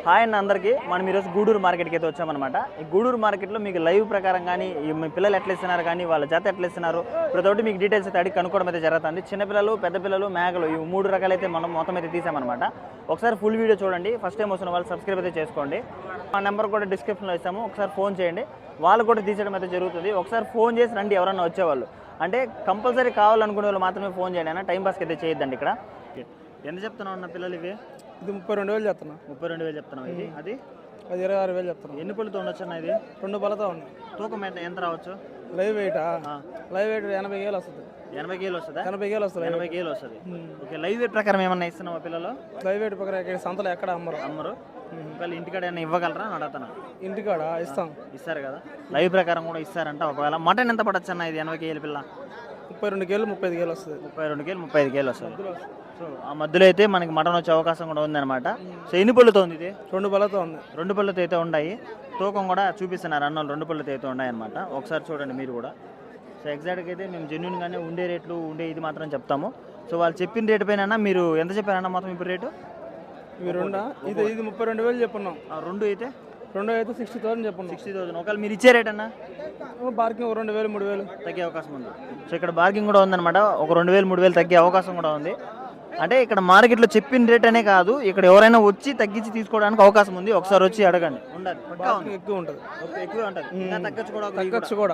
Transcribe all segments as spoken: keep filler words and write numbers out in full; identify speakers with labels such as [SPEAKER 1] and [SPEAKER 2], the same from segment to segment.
[SPEAKER 1] Hi అన్న అందరికీ మనం ఈరోజు గూడూరు మార్కెట్కి అయితే వచ్చామన్నమాట. ఈ గూడూరు మార్కెట్లో మీకు లైవ్ ప్రకారం కానీ మీ పిల్లలు ఎట్లా ఇస్తున్నారు కానీ వాళ్ళ జత ఎట్లా ఇస్తున్నారు ప్రతి ఒక్కటి మీకు డీటెయిల్స్ అయితే అడిగి కనుక్కోవడం అయితే జరుగుతుంది. చిన్నపిల్లలు, పెద్ద పిల్లలు, మేకలు ఈ మూడు రకాలైతే మనం మొత్తం అయితే తీసామన్నమాట. ఒకసారి ఫుల్ వీడియో చూడండి. ఫస్ట్ టైం వస్తున్న వాళ్ళు సబ్స్క్రైబ్ అయితే చేసుకోండి. మా నెంబర్ కూడా డిస్క్రిప్షన్లో ఇస్తాము, ఒకసారి ఫోన్ చేయండి. వాళ్ళు కూడా తీసేయడం అయితే జరుగుతుంది. ఒకసారి ఫోన్ చేసి రండి ఎవరన్నా వచ్చేవాళ్ళు, అంటే కంపల్సరీ కావాలనుకునే వాళ్ళు మాత్రమే ఫోన్ చేయండి అన్న. టైం పాస్కి అయితే చేయొద్దండి. ఇక్కడ ఎంత చెప్తున్నావు అన్న పిల్లలు? ఇవి
[SPEAKER 2] ఇది ముప్పై రెండు వేలు చెప్తున్నా.
[SPEAKER 1] ముప్పై రెండు వేలు చెప్తున్నావు. ఇది అది
[SPEAKER 2] అది ఇరవై ఆరు వేలు చెప్తున్నా.
[SPEAKER 1] ఎన్ని పళ్ళతో ఉండొచ్చు అన్న? ఇది
[SPEAKER 2] రెండు పళ్ళతో ఉంది.
[SPEAKER 1] తూకం ఎంత ఎంత రావచ్చు?
[SPEAKER 2] లైవ్ వెయిటా? లైవ్ వెయిట్ ఎనభై వేలు వస్తుంది.
[SPEAKER 1] ఎనభై కేలు వస్తుందా?
[SPEAKER 2] ఎనభై వేలు వస్తుంది.
[SPEAKER 1] ఎనభై కేలు వస్తుంది. ఓకే, లైవ్ వెయిట్ ప్రకారం ఏమన్నా ఇస్తున్నావా పిల్లలు?
[SPEAKER 2] లైవ్ వెయిట్ ప్రకారం ఇక్కడ సంతలో ఎక్కడ అమ్మరు
[SPEAKER 1] అమ్మరు. ఒకవేళ ఇంటికాడ ఏమైనా ఇవ్వగలరా అని అడుగుతున్నా.
[SPEAKER 2] ఇంటికాడ ఇస్తాం.
[SPEAKER 1] ఇస్తారు కదా, లైవ్ ప్రకారం కూడా ఇస్తారంట. ఒకవేళ మటన్ ఎంత పడచ్చు అన్న? ఇది ఎనభై కేలు పిల్ల
[SPEAKER 2] ముప్పై రెండు కేలు ముప్పై ఐదు కేలు వస్తుంది.
[SPEAKER 1] ముప్పై రెండు కేలు ముప్పై ఐదు కేలు వస్తుంది. సో ఆ మధ్యలో అయితే మనకి మటన్ వచ్చే అవకాశం కూడా ఉందన్నమాట. సో ఎన్ని పళ్ళతో ఉంది ఇది?
[SPEAKER 2] రెండు పళ్ళతో ఉంది.
[SPEAKER 1] రెండు పళ్ళతో అయితే ఉన్నాయి. తూకం కూడా చూపిస్తున్నారు అన్నోళ్ళు. రెండు పళ్ళతో అయితే ఉన్నాయన్నమాట. ఒకసారి చూడండి మీరు కూడా. సో ఎగ్జాక్ట్గా అయితే మేము జెన్యున్గానే ఉండే రేట్లు ఉండే ఇది మాత్రం చెప్తాము. సో వాళ్ళు చెప్పిన రేటు పైన మీరు ఎంత చెప్పారన్న మొత్తం ఇప్పుడు రేటు?
[SPEAKER 2] ఇవి రెండా? ఇది ఇది ముప్పై రెండు వేలు చెప్పున్నాం.
[SPEAKER 1] రెండు అయితే
[SPEAKER 2] రెండు అయితే సిక్స్టీ థౌసండ్ చెప్పున్నాం.
[SPEAKER 1] Sixty thousand. ఒకవేళ మీరు ఇచ్చే రేట్ అన్న
[SPEAKER 2] బార్కింగ్ రెండు వేలు మూడు వేలు
[SPEAKER 1] తగ్గే అవకాశం ఉంది. సో ఇక్కడ బార్కింగ్ కూడా ఉందన్నమాట. ఒక రెండు వేలు మూడు వేలు తగ్గే అవకాశం కూడా ఉంది. అంటే ఇక్కడ మార్కెట్లో చెప్పిన రేట్ అనే కాదు, ఇక్కడ ఎవరైనా వచ్చి తగ్గించి తీసుకోవడానికి అవకాశం ఉంది. ఒకసారి వచ్చి అడగండి. ఉండాలి,
[SPEAKER 2] ఎక్కువ ఉంటుంది.
[SPEAKER 1] ఎక్కువ ఉంటుంది. తగ్గచ్చు కూడా
[SPEAKER 2] తగ్గచ్చు కూడా.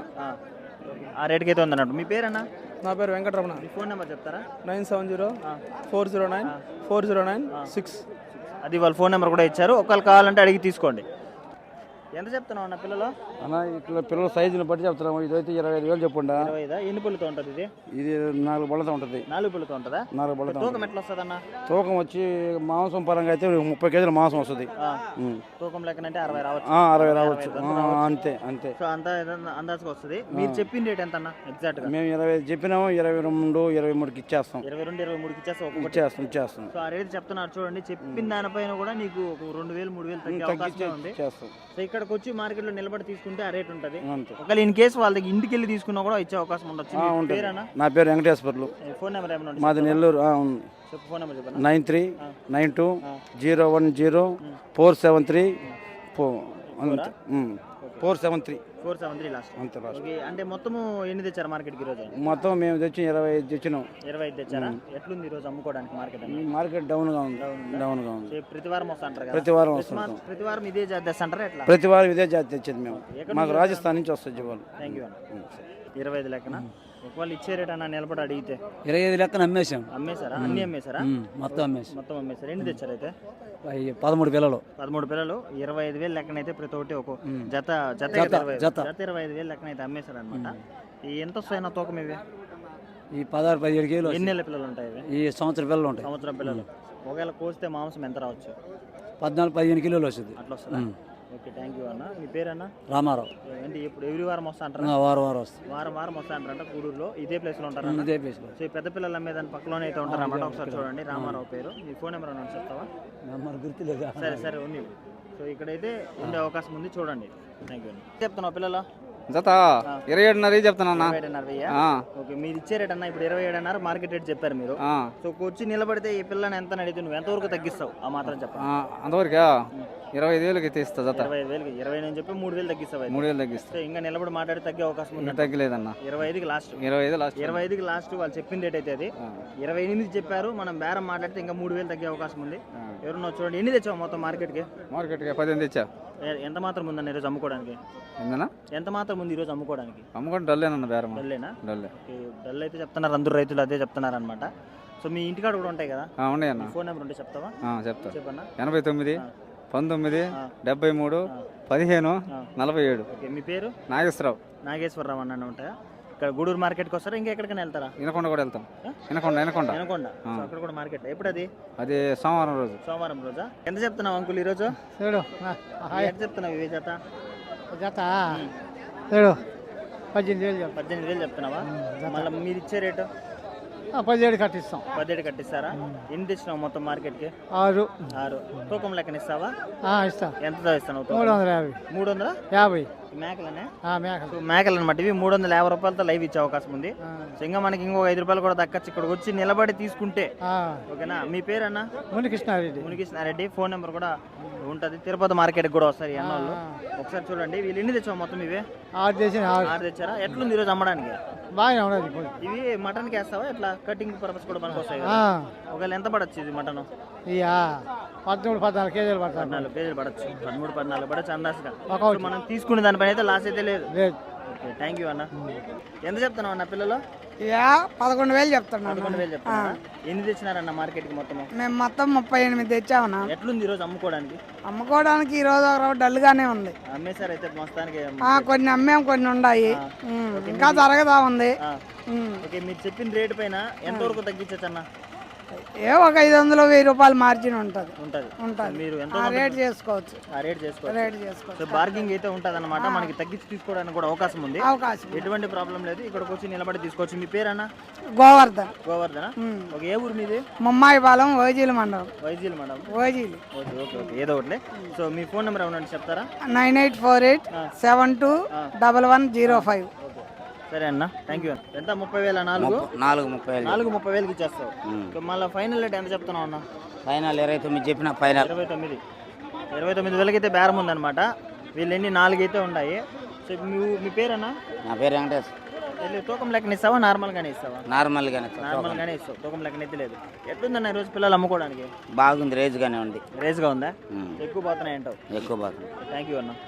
[SPEAKER 1] ఆ రేట్కి అయితే ఉందన్నట్టు. మీ పేరు అన్న?
[SPEAKER 2] నా పేరు వెంకటరమణ.
[SPEAKER 1] ఫోన్ నెంబర్ చెప్తారా?
[SPEAKER 2] Nine seven zero four zero nine four zero nine six.
[SPEAKER 1] అది వాళ్ళ ఫోన్ నెంబర్ కూడా ఇచ్చారు. ఒకళ్ళు కావాలంటే అడిగి తీసుకోండి. ఎంత చెప్తున్నావు అన్న పిల్లలు?
[SPEAKER 2] అన్న ఇట్లా పిల్లల సైజుని బట్టి చెప్తున్నాము. ఇదైతే ఇరవై ఐదు వేలు చెప్పండి.
[SPEAKER 1] ఇరవై ఐదా? ఎన్ని పళ్ళతో ఉంటుంది ఇది?
[SPEAKER 2] ఇది నాలుగు పళ్ళతో ఉంటుంది.
[SPEAKER 1] నాలుగు పళ్ళతో ఉంటుందా? నాలుగు పళ్ళతో. తూకం ఎట్లా వస్తుంది అన్న? తూకం
[SPEAKER 2] వచ్చి మాంసం పరంగా అయితే ముప్పై కేజీల మాంసం వస్తుంది.
[SPEAKER 1] తూకం లెక్కనంటే అరవై రావచ్చు.
[SPEAKER 2] అరవై రావచ్చు అంతే అంతే.
[SPEAKER 1] సో అంతా అందాజుగా వస్తుంది. మీరు చెప్పిన రేట్ ఎంత అన్న ఎగ్జాక్ట్ గా?
[SPEAKER 2] మేము ఇరవై ఐదు చెప్పినాము. ఇరవై రెండు ఇరవై మూడుకి ఇచ్చేస్తాం.
[SPEAKER 1] ఇరవై రెండు ఇరవై మూడుకి ఇచ్చేస్తాం.
[SPEAKER 2] ఇచ్చేస్తాం ఇచ్చేస్తాం.
[SPEAKER 1] సో ఆ రేట్ చెప్తున్నారు చూడండి. చెప్పిన దానిపైన కూడా నీకు రెండు వేలు మూడు వేలు తగ్గే అవకాశం ఉంది. సో ఇక్కడికి వచ్చి మార్కెట్ లో నిలబడి తీసుకుంటే ఆ రేట్ ఉంటుంది. ఒకవేళ ఇన్ కేసు వాళ్ళ దగ్గర ఇంటికి వెళ్ళి తీసుకున్నా కూడా ఇచ్చే అవకాశం ఉండొచ్చు.
[SPEAKER 2] నా పేరు వెంకటేశ్వర్లు.
[SPEAKER 1] ఫోన్ నెంబర్ ఏమన్నా?
[SPEAKER 2] మాది నెల్లూరు.
[SPEAKER 1] ఫోన్ నెంబర్ చెప్పండి.
[SPEAKER 2] Nine three nine two zero one zero four seven three four seven three
[SPEAKER 1] four seven three last. అంతే లాస్ట్. అంటే మొత్తము ఎన్ని తెచ్చారు మార్కెట్కి ఈరోజు?
[SPEAKER 2] మొత్తం మేము తెచ్చి ఇరవై ఐదు తెచ్చినాం.
[SPEAKER 1] ఇరవై ఐదు తెచ్చారా? ఎట్లుంది ఈరోజు అమ్ముకోవడానికి మార్కెట్?
[SPEAKER 2] మార్కెట్ డౌన్ గా ఉంది. డౌన్ గా ఉంది.
[SPEAKER 1] ప్రతి వారం వస్తుంటారు కదా?
[SPEAKER 2] ప్రతి వారం వస్తాం.
[SPEAKER 1] ప్రతి వారం ఇదే జాతి తెస్తాంటారా ఎట్లా?
[SPEAKER 2] ప్రతి వారం ఇదే జాతి తెచ్చేది మేము. మాకు రాజస్థాన్ నుంచి వస్తుంది జీవాలు.
[SPEAKER 1] థ్యాంక్ యూ అన్న. ఇరవై ఐదు లెక్కన ఒకవేళ ఇచ్చే రేట్ అన్న నిలబడి అడిగితే?
[SPEAKER 2] ఇరవై ఐదు లెక్కన అమ్మేసాం.
[SPEAKER 1] అమ్మేశారా? అన్ని అమ్మేశారా?
[SPEAKER 2] మొత్తం అమ్మేసి
[SPEAKER 1] మొత్తం అమ్మేశారు. ఎన్ని తెచ్చారు అయితే?
[SPEAKER 2] పదమూడు పిల్లలు.
[SPEAKER 1] పదమూడు పిల్లలు ఇరవై ఐదు వేలు లెక్కన అయితే ప్రతి ఒక్కటి ఒక జత జత జత ఇరవై ఐదు వేలు లెక్కన అయితే అమ్మేశారు అనమాట. ఈ ఎంత వస్తాయన్న తూకం ఇవి?
[SPEAKER 2] ఈ పదహారు పదిహేడు కేజీలు.
[SPEAKER 1] ఎన్ని నెలల పిల్లలు ఉంటాయి ఇవి?
[SPEAKER 2] ఈ సంవత్సరం పిల్లలు ఉంటాయి.
[SPEAKER 1] సంవత్సరం పిల్లలు. ఒకవేళ కోస్తే మాంసం ఎంత రావచ్చు?
[SPEAKER 2] పద్నాలుగు పదిహేను కిలోలు వస్తుంది.
[SPEAKER 1] అట్లా వస్తుందా? ఓకే, థ్యాంక్ యూ అన్న. మీ పేరు అన్న?
[SPEAKER 2] రామారావు.
[SPEAKER 1] ఏంటి ఇప్పుడు ఎవ్రీ వారం వస్తా అంటారా?
[SPEAKER 2] వారం వారం వస్తుంది.
[SPEAKER 1] వారం వారం వస్తా అంటారంట. కూడూరులో ఇదే ప్లేస్ లో ఉంటారు.
[SPEAKER 2] ఇదే ప్లేస్ లో.
[SPEAKER 1] సో ఈ పెద్ద పిల్లలు అమ్మేదాని పక్కలోనే అయితే ఉంటారు అన్నమాట. ఒకసారి చూడండి. రామారావు పేరు. మీ ఫోన్ నెంబర్ అన్న చెప్తావా?
[SPEAKER 2] నెంబర్ గుర్తులేదు.
[SPEAKER 1] సరే సరే ఉంది. సో ఇక్కడైతే ఉండే అవకాశం ఉంది, చూడండి. థ్యాంక్ యూ అన్న. చెప్తున్నావు పిల్లలు?
[SPEAKER 2] జత ఇరవై ఏడున్నర చెప్తానన్నా.
[SPEAKER 1] ఓకే, మీరు ఇచ్చే రేట్ అన్న ఇప్పుడు ఇరవై ఏడున్నర మార్కెట్ రేట్ చెప్పారు మీరు. సో వచ్చి నిలబడితే ఈ పిల్లని ఎంత అడిగితే నువ్వు ఎంతవరకు తగ్గిస్తావు ఆ మాత్రం చెప్పండి.
[SPEAKER 2] అంతవరకు ఇరవై ఐదు వేలకి తీస్తా. జత
[SPEAKER 1] ఇరవై ఐదు వేలకి ఇరవై నేను చెప్పి మూడు వేలు తగ్గిస్తావు.
[SPEAKER 2] మూడు వేలు తగ్గిస్తా.
[SPEAKER 1] ఇంకా నిలబడి మాట్లాడి తగ్గే అవకాశం ఉంది?
[SPEAKER 2] తగ్గలేదన్న.
[SPEAKER 1] ఇరవై ఐదుకి లాస్ట్.
[SPEAKER 2] ఇరవై ఐదు లాస్ట్.
[SPEAKER 1] ఇరవై ఐదుకి లాస్ట్ వాళ్ళు చెప్పిన రేట్ అయితే అది. ఇరవై ఎనిమిది చెప్పారు. మనం బేరం మాట్లాడితే ఇంకా మూడు వేలు తగ్గే అవకాశం ఉంది. ఎవరున్నా చూడండి. ఎన్ని తెచ్చావు మొత్తం మార్కెట్కి?
[SPEAKER 2] మార్కెట్కి పదిహేను తెచ్చా.
[SPEAKER 1] ఎంత మాత్రం ఉందన్న ఈరోజు అమ్ముకోవడానికి? ఎంత మాత్రం ఉంది ఈరోజు అమ్ముకోవడానికి?
[SPEAKER 2] అమ్ముకోవడం డల్లేనన్న. బేరం
[SPEAKER 1] డల్లేనా?
[SPEAKER 2] డల్లే.
[SPEAKER 1] డల్ అయితే చెప్తున్నారు అందరూ రైతులు, అదే చెప్తున్నారు అనమాట. సో మీ ఇంటికాడ కూడా ఉంటాయి కదా?
[SPEAKER 2] ఉన్నాయన్న.
[SPEAKER 1] ఫోన్ నెంబర్ ఉంటే చెప్తావా?
[SPEAKER 2] చెప్తా.
[SPEAKER 1] చెప్పన్నా.
[SPEAKER 2] ఎనభై తొమ్మిది పంతొమ్మిది డెబ్బై మూడు పదిహేను నలభై ఏడు.
[SPEAKER 1] ఓకే, మీ పేరు?
[SPEAKER 2] నాగేశ్వరరావు.
[SPEAKER 1] నాగేశ్వరరావు అన్న ఉంటాయా? ఇక్కడ గూడూరు మార్కెట్కి వస్తారా? ఇంకా ఎక్కడికైనా వెళ్తారా?
[SPEAKER 2] వినకొండ కూడా వెళ్తాం. వినకొండ వినకొండ
[SPEAKER 1] వినకొండ అక్కడ కూడా మార్కెట్. ఎప్పుడు అది?
[SPEAKER 2] అది సోమవారం రోజు.
[SPEAKER 1] సోమవారం రోజా? ఎంత చెప్తున్నావు అంకుల్ ఈరోజు? ఎంత చెప్తున్నావు ఇవి జత?
[SPEAKER 2] జత
[SPEAKER 1] పద్దెనిమిది వేలు పద్దెనిమిది వేలు చెప్తున్నావా? మళ్ళీ మీరు ఇచ్చే రేటు?
[SPEAKER 2] పదిహేడు కట్టిస్తాం.
[SPEAKER 1] పదిహేడు కట్టిస్తారా? ఎన్ని తెచ్చినావు మొత్తం మార్కెట్కి?
[SPEAKER 2] ఆరు.
[SPEAKER 1] ఆరు. తూకం లెక్కన ఇస్తావా?
[SPEAKER 2] ఇస్తా.
[SPEAKER 1] ఎంత ఇస్తాను?
[SPEAKER 2] మూడు వందల యాభై.
[SPEAKER 1] మూడు వందల
[SPEAKER 2] యాభై
[SPEAKER 1] మేకలనే?
[SPEAKER 2] మేకలు.
[SPEAKER 1] మేకలు అనమాట ఇవి. మూడు వందల యాభై రూపాయలతో లైవ్ ఇచ్చే అవకాశం ఉంది. సో ఇంకా మనకి ఇంకొక ఐదు రూపాయలు కూడా దక్కచ్చు ఇక్కడికి వచ్చి నిలబడి తీసుకుంటే. ఓకేనా? మీ పేరు అన్న?
[SPEAKER 2] మునికృష్ణారెడ్డి.
[SPEAKER 1] మునికృష్ణారెడ్డి. ఫోన్ నెంబర్ కూడా ఉంటుంది. తిరుపతి మార్కెట్ కూడా వస్తారు ఈ అన్నోళ్ళు. ఒకసారి చూడండి. వీళ్ళు ఎన్ని తెచ్చావు మొత్తం? ఇవే
[SPEAKER 3] ఆరు చేసి
[SPEAKER 1] ఆరు తెచ్చారా? ఎట్లుంది ఈరోజు అమ్మడానికి?
[SPEAKER 3] బాగానే ఉన్నది.
[SPEAKER 1] ఇవి మటన్కి వేస్తావా? ఎట్లా కటింగ్ పర్పస్ కూడా మనకు వస్తాయి కదా? ఒకవేళ ఎంత పడచ్చు ఇది మటన్?
[SPEAKER 3] ఇక పదమూడు పద్నాలుగు కేజీలు పడతాయి.
[SPEAKER 1] పద్నాలుగు కేజీలు పడచ్చు. పదమూడు పద్నాలుగు పడచ్చు అందాజుగా. మనం తీసుకునే దానిపైన అయితే లాస్ అయితే లేదు. ఓకే, థ్యాంక్ యూ అన్న. ఎంత చెప్తున్నావు అన్న పిల్లలు?
[SPEAKER 4] ఇక పదకొండు వేలు చెప్తున్నాను.
[SPEAKER 1] పదకొండు వేలు చెప్తున్నా. ఎన్ని తెచ్చినారన్న మార్కెట్కి మొత్తం?
[SPEAKER 4] మేము మొత్తం ముప్పై ఎనిమిది తెచ్చామన్నా.
[SPEAKER 1] ఎట్లుంది ఈరోజు అమ్ముకోవడానికి?
[SPEAKER 4] అమ్ముకోవడానికి ఈ రోజు ఒక డల్ గానే ఉంది.
[SPEAKER 1] అమ్మేశారు అయితే మొత్తానికి?
[SPEAKER 4] ఆ, కొన్ని అమ్మేం, కొన్ని ఉన్నాయి. ఉమ్, ఇంకా జరగదా ఉంది. ఉమ్.
[SPEAKER 1] ఓకే, మీరు చెప్పిన రేటు పైన ఎంతవరకు తగ్గించచ్చు అన్న?
[SPEAKER 4] ఏ ఒక ఐదు వందలు వెయ్యి రూపాయలు మార్జిన్ ఉంటుంది.
[SPEAKER 1] ఉంటుంది
[SPEAKER 4] ఉంటుంది.
[SPEAKER 1] మీరు ఎంత
[SPEAKER 4] ఆ రేట్ చేసుకోవచ్చు.
[SPEAKER 1] ఆ రేట్ చేసుకోవచ్చు.
[SPEAKER 4] రేట్ చేసుకోవచ్చు.
[SPEAKER 1] సో బార్గింగ్ అయితే ఉంటుంది అనమాట. మనకి తగ్గించి తీసుకోవడానికి కూడా అవకాశం ఉంది.
[SPEAKER 4] అవకాశం.
[SPEAKER 1] ఎటువంటి ప్రాబ్లం లేదు. ఇక్కడికి వచ్చి నిలబడి తీసుకోవచ్చు. మీ పేరన్నా?
[SPEAKER 4] గోవర్ధన్.
[SPEAKER 1] గోవర్ధన. ఓకే, ఏ ఊరు మీది?
[SPEAKER 4] ముమ్మాయిపాలెం ఓజీలు మండలం.
[SPEAKER 1] వైజీల్ madam.
[SPEAKER 4] Ojili.
[SPEAKER 1] Okay okay okay ఏదో ఒకటి. సో మీ ఫోన్ నెంబర్ ఏమన్నా చెప్తారా?
[SPEAKER 4] Nine eight four eight seven two double one zero five.
[SPEAKER 1] సరే అన్న, థ్యాంక్ యూ. ఎంత? ముప్పై వేల నాలుగు
[SPEAKER 2] నాలుగు ముప్పై వేలు
[SPEAKER 1] నాలుగు ముప్పై వేలకి ఇచ్చేస్తావు. సో మళ్ళీ ఫైనల్ రేట్ ఎంత చెప్తున్నావు అన్న?
[SPEAKER 2] ఫైనల్ ఇరవై తొమ్మిది చెప్పిన ఫైనల్
[SPEAKER 1] ఇరవై తొమ్మిది ఇరవై తొమ్మిది వేలకి అయితే బేరం ఉందన్నమాట. వీళ్ళు ఎన్ని నాలుగు అయితే ఉన్నాయి. సో మీ మీ పేరన్నా?
[SPEAKER 2] నా పేరు వెంకటేష్.
[SPEAKER 1] వెళ్ళి తూకం లెక్కన ఇస్తావా? నార్మల్గానే ఇస్తావా?
[SPEAKER 2] నార్మల్గానే
[SPEAKER 1] నార్మల్గానే ఇస్తావు. తూకం లెక్కన అయితే లేదు. ఎట్లుందన్న ఈరోజు పిల్లలు అమ్ముకోవడానికి?
[SPEAKER 2] బాగుంది, రేజ్గానే ఉంది.
[SPEAKER 1] రేస్గా ఉందా? ఎక్కువ పోతున్నాయి అంటావు?
[SPEAKER 2] ఎక్కువ బాగుంది.
[SPEAKER 1] థ్యాంక్ యూ అన్న.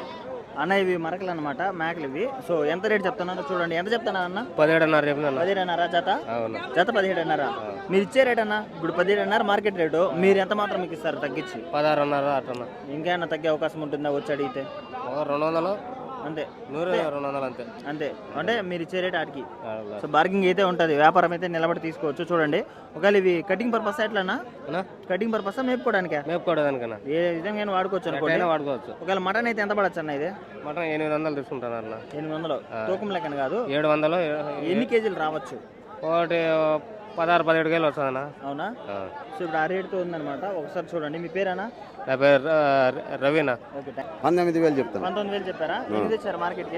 [SPEAKER 1] అన్న ఇవి మరకలు అనమాట, మేకలు ఇవి. సో ఎంత రేట్ చెప్తున్నారో చూడండి. ఎంత చెప్తున్నా అన్న?
[SPEAKER 2] పదిహేడున్నర
[SPEAKER 1] పదిహేడున్నర జత? జత పదిహేడున్నర. మీరు ఇచ్చే రేట్ అన్న? ఇప్పుడు పదిహేడున్నర మార్కెట్ రేటు. మీరు ఎంత మాత్రం మీకు ఇస్తారు తగ్గించి?
[SPEAKER 2] పదహారున్నర అట్లా.
[SPEAKER 1] ఇంకేమన్నా తగ్గే అవకాశం ఉంటుందా వచ్చి అడిగితే?
[SPEAKER 2] రెండు వందలు
[SPEAKER 1] అంతే.
[SPEAKER 2] నూరు రెండు వందలు అంతే.
[SPEAKER 1] అంతే అంటే మీరు ఇచ్చే రేట్ ఆడికి. సో బార్గింగ్ అయితే ఉంటుంది. వ్యాపారం అయితే నిలబడి తీసుకోవచ్చు. చూడండి. ఒకవేళ ఇవి కటింగ్ పర్పస్ ఎట్లన్నా? కటింగ్ పర్పస్ మేపుకోవడానికి?
[SPEAKER 2] మేపుకోవడానికన్నా
[SPEAKER 1] ఏ విధంగా వాడుకోవచ్చు అనుకోండి.
[SPEAKER 2] వాడుకోవచ్చు.
[SPEAKER 1] ఒకవేళ మటన్ అయితే ఎంత పడచ్చు అన్న? ఇది
[SPEAKER 2] మటన్ ఎనిమిది వందలు తీసుకుంటాను అన్న.
[SPEAKER 1] ఎనిమిది వందలు తూకం లెక్కన కాదు.
[SPEAKER 2] ఏడు వందలు.
[SPEAKER 1] ఎన్ని కేజీలు రావచ్చు?
[SPEAKER 2] ఒకటి పదహారు పదిహేడు కేజీలు వస్తుందన్నా.
[SPEAKER 1] అవునా? సో ఇప్పుడు ఆ రేటుతో ఉందన్నమాట. ఒకసారి చూడండి. మీ పేరేనా?
[SPEAKER 2] నా పేరు రవీనా.
[SPEAKER 1] ఓకే,
[SPEAKER 5] పంతొమ్మిది వేలు చెప్తాను.
[SPEAKER 1] పంతొమ్మిది వేలు చెప్పారా? ఎన్ని తెచ్చారు మార్కెట్కి?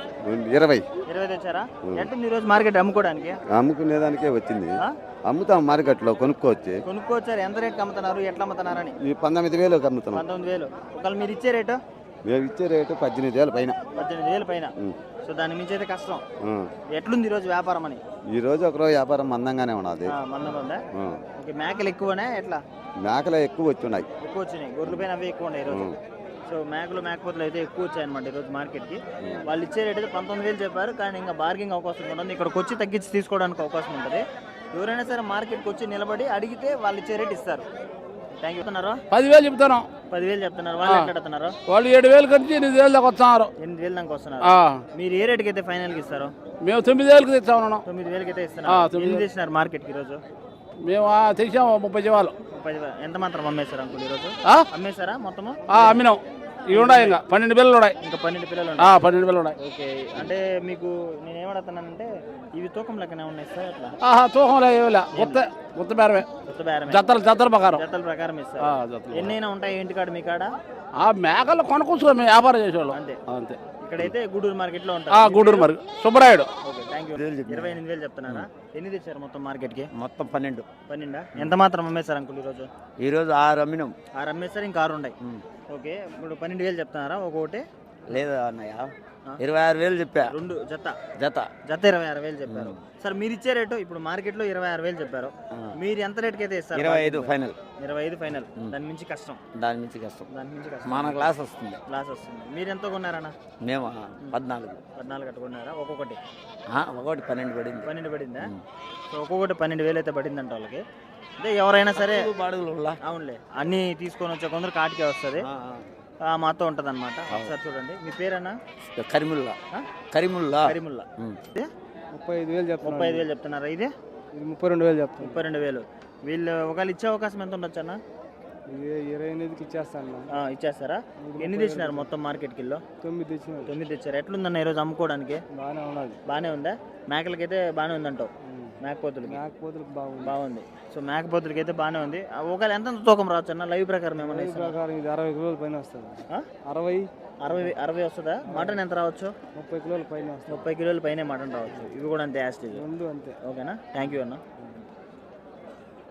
[SPEAKER 5] ఇరవై
[SPEAKER 1] ఇరవై తెచ్చారా? ఎట్టుంది ఈరోజు మార్కెట్ అమ్ముకోవడానికి?
[SPEAKER 5] అమ్ముకునేదానికే వచ్చింది. అమ్ముతాం మార్కెట్లో, కొనుక్కోవచ్చు.
[SPEAKER 1] కొనుక్కోవచ్చారు. ఎంత రేట్కి అమ్ముతున్నారు? ఎట్లా అమ్ముతున్నారని?
[SPEAKER 5] ఈ పంతొమ్మిది వేలు అమ్ముతున్నాం.
[SPEAKER 1] పంతొమ్మిది వేలు. ఒకవేళ మీరు ఇచ్చే రేటు?
[SPEAKER 5] మేము ఇచ్చే రేటు పద్దెనిమిది వేల పైన.
[SPEAKER 1] పద్దెనిమిది వేలు పైన. సో దాని మించి అయితే కష్టం. ఎట్లుంది ఈరోజు వ్యాపారం అని?
[SPEAKER 5] ఈ రోజు ఒకరోజు వ్యాపారం మందంగానే ఉన్నది.
[SPEAKER 1] మందంగా ఉందా? ఓకే, మేకలు ఎక్కువనే ఎట్లా?
[SPEAKER 5] మేకలు ఎక్కువ వచ్చున్నాయి.
[SPEAKER 1] ఎక్కువ వచ్చినాయి. గొర్రెల పైన అవి ఎక్కువ ఉన్నాయి ఈరోజు. సో మేకలు మేకపోతులు అయితే ఎక్కువ వచ్చాయి అనమాట ఈరోజు మార్కెట్కి. వాళ్ళు ఇచ్చే రేట్ అయితే పంతొమ్మిది వేలు చెప్పారు. కానీ ఇంకా బార్గింగ్ అవకాశం ఉంటుంది. ఇక్కడికి వచ్చి తగ్గించి తీసుకోవడానికి అవకాశం ఉంటుంది. ఎవరైనా సరే మార్కెట్కి వచ్చి నిలబడి అడిగితే వాళ్ళు ఇచ్చే రేట్ ఇస్తారు. Thank you.
[SPEAKER 3] పదివేలు చెప్తాను.
[SPEAKER 1] పదివేలు చెప్తున్నారు. వాళ్ళు ఎట్లా అడుగుతున్నారు?
[SPEAKER 3] వాళ్ళు ఏడు వేలు కలిసి ఎనిమిది వేలు దాకా వస్తున్నారు.
[SPEAKER 1] ఎనిమిది వేలు దాకా వస్తున్నారు. మీరు ఏ రేటుకి అయితే ఫైనల్కి ఇస్తారు?
[SPEAKER 3] మేము తొమ్మిది వేలకు తెచ్చాము.
[SPEAKER 1] తొమ్మిది వేలకి అయితే ఇస్తున్నారు. ఎన్ని తెచ్చినారు మార్కెట్కి ఈరోజు?
[SPEAKER 3] మేము తెచ్చాము ముప్పై జీవాలు.
[SPEAKER 1] ముప్పై ఎంత మాత్రం అమ్మేశారు అంకుల్ ఈరోజు? అమ్మేశారా మొత్తము?
[SPEAKER 3] అమ్మినాం. ఇవి ఉన్నాయి ఇంకా పన్నెండు పిల్లలు ఉన్నాయి.
[SPEAKER 1] ఇంకా పన్నెండు పిల్లలు
[SPEAKER 3] పన్నెండు పిల్లలు ఉన్నాయి.
[SPEAKER 1] ఓకే, అంటే మీకు నేను ఏమడుగుతున్నానంటే ఇవి తూకం లెక్కనే ఉన్నాయి సార్? అట్లా
[SPEAKER 3] తూకం లేవులే, కొత్త కొత్త బేరమే.
[SPEAKER 1] కొత్త బేరమే.
[SPEAKER 3] జతల జతల ప్రకారం.
[SPEAKER 1] జతల ప్రకారం ఇస్తారు. ఎన్నైనా ఉంటాయి ఇంటి కాడ? మీ కాడ
[SPEAKER 3] ఆ మేకలు కొనుక్కోవచ్చు. మేము వ్యాపారం చేసేవాళ్ళం.
[SPEAKER 1] అంతే
[SPEAKER 3] అంతే.
[SPEAKER 1] ఇక్కడైతే గూడూరు మార్కెట్ లో ఉంటారు.
[SPEAKER 3] Gudur market Subbarayudu.
[SPEAKER 1] Okay, thank you. ఇరవై ఎనిమిది వేలు చెప్తున్నారా? ఎన్ని తెచ్చారు మొత్తం మార్కెట్కి?
[SPEAKER 2] మొత్తం పన్నెండు.
[SPEAKER 1] పన్నెండా? ఎంత మాత్రం అమ్మేశారు అంకుల్ ఈరోజు?
[SPEAKER 2] ఈరోజు ఆరు అమ్మినాం.
[SPEAKER 1] ఆరు అమ్మేశారు, ఇంకా ఆరు ఉన్నాయి. ఓకే, ఇప్పుడు పన్నెండు వేలు చెప్తున్నారా ఒక్కొక్కటి?
[SPEAKER 2] లేదా అన్నయ్య, ఇరవై ఆరు వేలు చెప్పా.
[SPEAKER 1] రెండు జత
[SPEAKER 2] జత
[SPEAKER 1] జత ఇరవై ఆరు వేలు చెప్పారు. సార్ మీరు ఇచ్చే రేటు ఇప్పుడు మార్కెట్ లో ఇరవై ఆరు వేలు చెప్పారు. మీరు ఎంత రేట్కి అయితే ఇస్తారు?
[SPEAKER 2] ఇరవై ఐదు ఫైనల్.
[SPEAKER 1] ఇరవై ఐదు ఫైనల్. దాని మించి కష్టం.
[SPEAKER 2] దాని మించి కష్టం.
[SPEAKER 1] దాని మించి కష్టం.
[SPEAKER 2] మన క్లాస్ వస్తుంది.
[SPEAKER 1] క్లాస్ వస్తుంది. మీరు ఎంత కొన్నారన్న?
[SPEAKER 2] మేము పద్నాలుగు.
[SPEAKER 1] పద్నాలుగు కట్టుకున్నారా ఒక్కొక్కటి?
[SPEAKER 2] ఒకటి పన్నెండు పడింది.
[SPEAKER 1] పన్నెండు పడిందా? సో ఒక్కొక్కటి పన్నెండు వేలు అయితే పడిందంట వాళ్ళకి. అంటే ఎవరైనా సరే
[SPEAKER 2] బాడుగులు.
[SPEAKER 1] అవునులే, అన్ని తీసుకొని వచ్చే కొందరు కాటికే వస్తుంది. మాతో ఉంటుంది అనమాట. ఒకసారి చూడండి. మీ పేరన్నా?
[SPEAKER 2] కరిముల్లా. కరిముల్లా.
[SPEAKER 1] కరిముల్లా.
[SPEAKER 3] ముప్పై ఐదు వేలు చెప్తాను.
[SPEAKER 1] ముప్పై ఐదు వేలు చెప్తున్నారా? ఇది
[SPEAKER 3] ముప్పై రెండు వేలు చెప్తాను.
[SPEAKER 1] ముప్పై రెండు వేలు. వీళ్ళు ఒకవేళ ఇచ్చే అవకాశం ఎంత ఉండొచ్చు అన్న?
[SPEAKER 3] ఇరవై ఎనిమిదికి ఇచ్చేస్తాను.
[SPEAKER 1] ఇచ్చేస్తారా? ఎన్ని తెచ్చినారు మొత్తం మార్కెట్ కిలో?
[SPEAKER 3] తొమ్మిది తెచ్చినారు.
[SPEAKER 1] తొమ్మిది తెచ్చారు. ఎట్లుందన్న ఈరోజు అమ్ముకోవడానికి?
[SPEAKER 3] బాగానే ఉన్నది.
[SPEAKER 1] బాగానే ఉందా? మేకలకైతే బాగానే ఉందంటావు? మేకపోతులకి
[SPEAKER 3] మేకపోతులకు బాగుంది.
[SPEAKER 1] బాగుంది. సో మేకపోతులకి అయితే బాగానే ఉంది. ఒకవేళ ఎంత తూకం రావచ్చు అన్న లైవ్ ప్రకారం? ఏమన్నా
[SPEAKER 3] ప్రకారం ఇది అరవై కిలోల పైన వస్తుంది. అరవై
[SPEAKER 1] అరవై అరవై వస్తుందా? మటన్ ఎంత రావచ్చు?
[SPEAKER 3] ముప్పై కిలోల పైన వస్తుంది.
[SPEAKER 1] ముప్పై కిలోల పైన మటన్ రావచ్చు. ఇవి కూడా అంతే యాస్టేజ్.
[SPEAKER 3] రెండు అంతే.
[SPEAKER 1] ఓకేనా? థ్యాంక్ యూ అన్న.